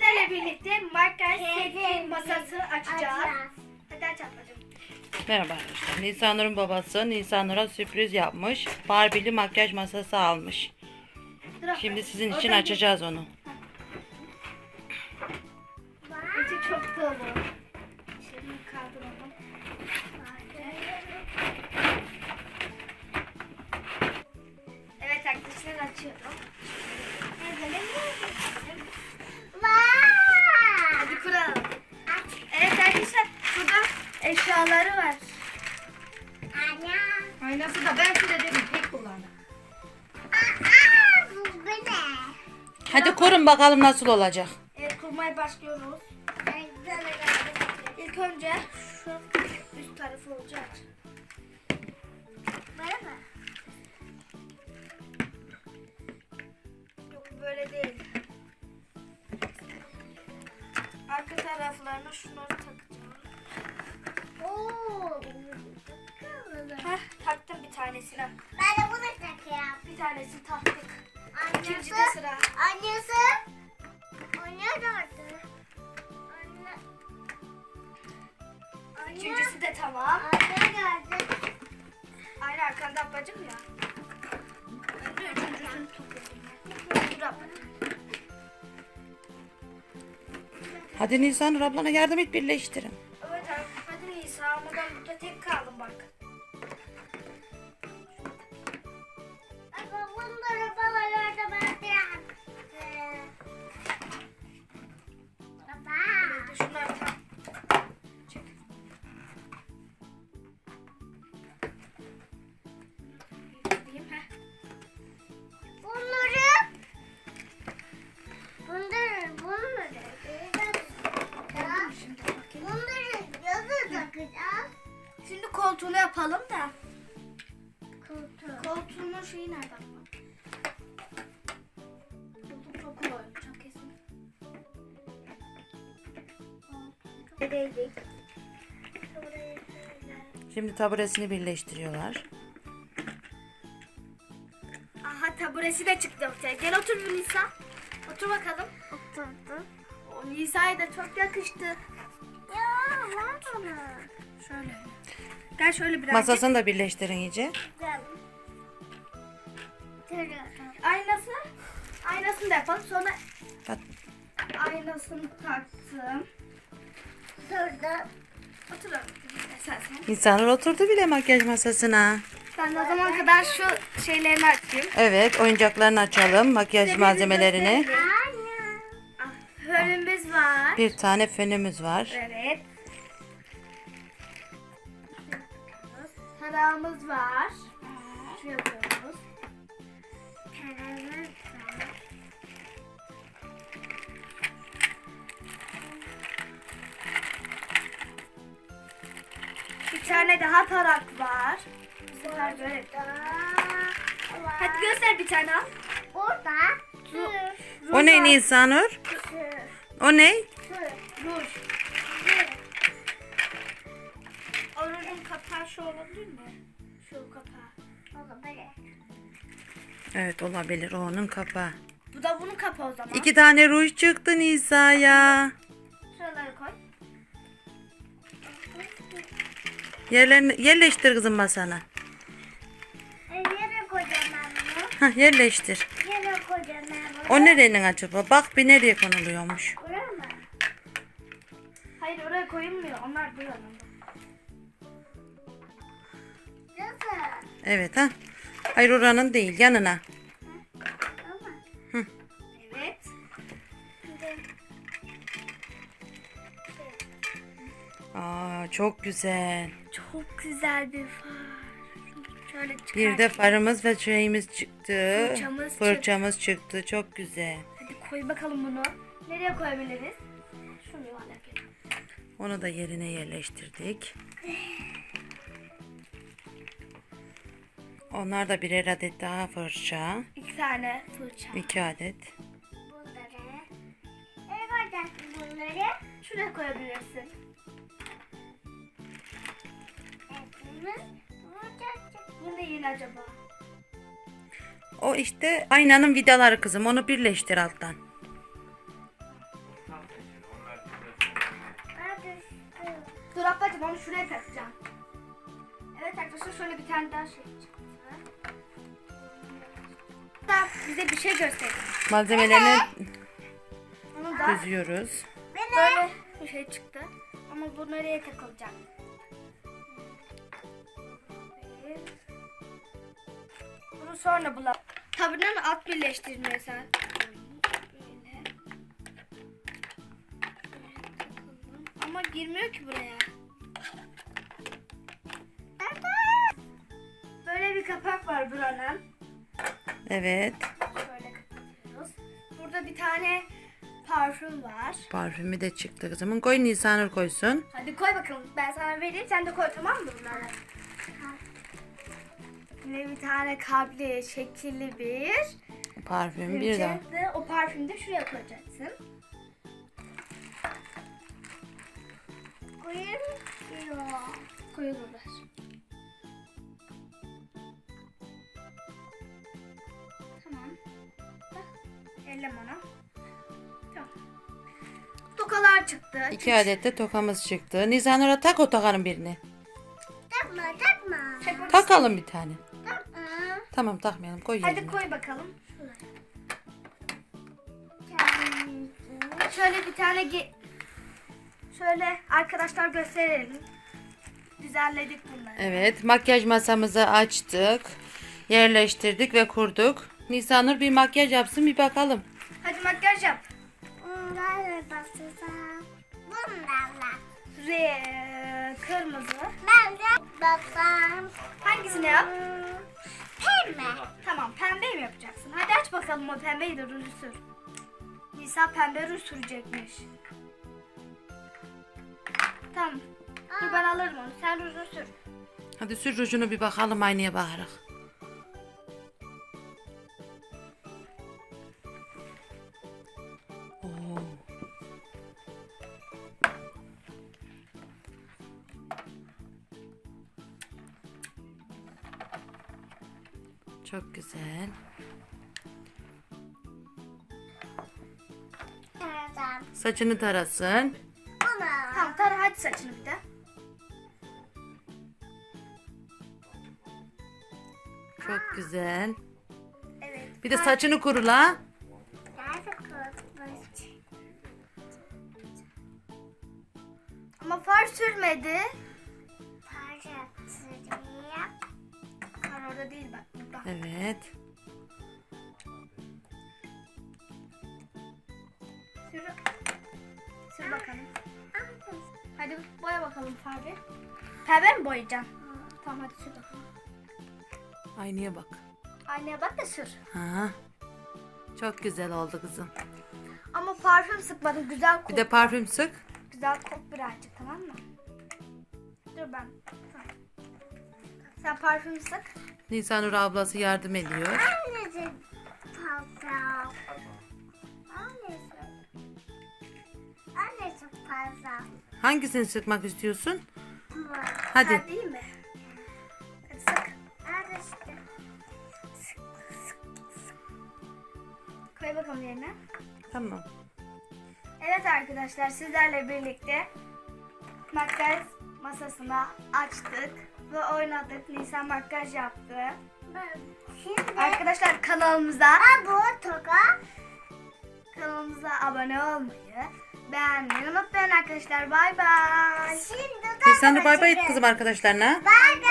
sizlerle birlikte makyaj seti masası açacağız. Hadi aç ablacığım. Merhaba arkadaşlar. Nisanur'un babası Nisanur'a sürpriz yapmış. Barbie'li makyaj masası almış. Şimdi sizin için açacağız onu. İçi çok dolu. Şimdi kaldıralım. Evet arkadaşlar açıyorum. Hadi kuralım. Evet arkadaşlar burada eşyaları var. Aynası da ben size dedim tek kullandım. Hadi kurun bakalım nasıl olacak. Evet kurmaya başlıyoruz. İlk önce şu üst tarafı olacak. Böyle mi? Yok böyle değil. Arka taraflarına şunları takacağım. Heh, taktım bir tanesini. Ben de bunu takıyorum. Bir tanesini taktık. İkinci de Annesi. sıra. Annesi. Anne nerede? Anne. Üçüncüsü de tamam. Anne nerede? Aynı arkanda ablacığım ya. Ben de üçüncüsünü takıyorum. Dur ablacığım. Hadi Nisanur ablana yardım et, birleştirin. Evet abi. Hadi Nisa ama ben burada tek kaldım bak. Baba bunları babalarda ben de yaptım. Baba. Evet, şunları tak. Çek. Yükleyeyim, heh. Bunları Şimdi bakayım. bunları yazı takacağız. Şimdi koltuğunu yapalım da. Koltuğu. Koltuğunun şeyi nerede? Koltuğum çok kolay olacak kesin. Değdik. Şimdi taburesini birleştiriyorlar. Aha taburesi de çıktı ortaya. Gel otur bir Nisa. Otur bakalım. Oturdu. O Nisa'ya da çok yakıştı. Ya var bana. Şöyle. Gel şöyle birazcık. Masasını da birleştirin iyice. Gel. Aynası. Aynasını da yapalım. Sonra Bak, aynasını taktım. Durdu. Otur oğlum. Sen. Nisanur oturdu bile makyaj masasına. Ben de o zaman kadar şu şeylerini açayım. Evet, oyuncaklarını açalım, makyaj malzemelerini. Anne. Ah, fönümüz var. Bir tane fönümüz var. Evet. Tarağımız var. Şu yapıyoruz. Bir tane daha tarak var. Bu sefer böyle. Hadi göster bir tane al. Orada. O ne Nisanur? O ne? Ruj. O rujun kapağı şu olabilir mi? Şu kapağı. Evet, olabilir, o onun kapağı. Bu da bunun kapağı o zaman. 2 tane ruj çıktı Nisa'ya. Şuraları koy. Yerlerini yerleştir kızım masana. Yere koyacağım ben bunu. Hah, yerleştir. Yere koyacağım ben bunu. O nerenin acaba? Bak bir nereye konuluyormuş. Buraya mı? Hayır oraya koyulmuyor. Onlar bu yanında. Nasıl? Evet ha. Hayır, oranın değil, yanına. Ama. Evet. Aa, çok güzel. Çok güzel bir far. Şöyle çıkar. Bir de farımız ve şeyimiz çıktı. Fırçamız çıktı. Çok güzel. Hadi koy bakalım bunu. Nereye koyabiliriz? Şunu yuvarlak yap. Onu da yerine yerleştirdik. Onlar da birer adet daha fırça. 2 tane fırça. 2 adet. Bunları. Nereye koyacaksın bunları? Şuraya koyabilirsin. Bunu koyacaksın. Bu ne yine acaba? O işte aynanın vidaları kızım. Onu birleştir alttan. şuraya takacağım. Evet arkadaşlar şöyle bir tane daha şey çıktı. Daha bize bir şey gösterin. Malzemelerini Onu da düzüyoruz. böyle bir şey çıktı. Ama bu nereye takılacak? Bunu sonra bulalım. Tabanın alt birleştirmesi. Böyle. Takalım. Ama girmiyor ki buraya. Böyle bir kapak var buranın. Evet. Şöyle kapatıyoruz. Burada bir tane parfüm var. Parfümü de çıktı kızımın. Koy, Nisanur koysun. Hadi koy bakalım. Ben sana vereyim. Sen de koy, tamam mı bunları? Yine bir tane kalpli, şekilli bir Parfüm bir de. de o parfümü de şuraya koyacaksın. Koyayım diyor. Koyulurlar. Tamam. Bak, ellem onu. Tamam. Tokalar çıktı. 2 adet de tokamız çıktı. Nisanur'a tak o tokanın birini. Takma takma. Çekmek Takalım bir tane. Takma. Tamam, takmayalım. Koy Hadi yerine. koy bakalım. Kendisi. Şöyle bir tane şöyle arkadaşlar gösterelim. Düzenledik bunları. Evet, makyaj masamızı açtık. Yerleştirdik ve kurduk. Nisanur bir makyaj yapsın, bir bakalım. Hadi makyaj yap. Bunlarla basacağım. Bunlarla. Kırmızı. Ben de baksam. Hangisini yap? Pembe. Tamam, pembeyi mi yapacaksın? Hadi aç bakalım o pembeyi de ruju sür. Nisa pembe ruj sürecekmiş. Tamam. Dur ben alırım onu. Sen rujunu sür. Hadi sür rujunu, bir bakalım aynaya bakarak. Oo. Çok güzel. Tamam. Saçını tarasın. Bunu. Tamam, tara hadi saçını bir de. Çok güzel. Evet. Bir de saçını kurula. Nerede kurtmuş? Ama far sürmedi. Parçasını. Far orada değil bak, burada. Evet. Sür. Sür bakalım. Hadi boya bakalım farı. Pembe mi boyayacaksın? Tamam hadi sür bakalım. Aynaya bak. Aynaya bak da sür. Ha. Çok güzel oldu kızım. Ama parfüm sıkmadım. Güzel Bir kok. de parfüm sık. Güzel kok birazcık, tamam mı? Dur ben. Tamam. Sen parfüm sık. Nisanur ablası yardım ediyor. Annesi fazla. Annesi. Annesi fazla. Hangisini sıkmak istiyorsun? Bu. Hadi. Ha, değil mi? Hadi sık. Annesi. Koy bakalım yerine. Tamam. Evet arkadaşlar, sizlerle birlikte makyaj masasını açtık ve oynadık. Nisan makyaj yaptı. Şimdi. Arkadaşlar kanalımıza Bu toka. abone olmayı, beğenmeyi unutmayın arkadaşlar. Bay bay. Şimdi Nisanur bay bay et kızım arkadaşlarına. Bay bay.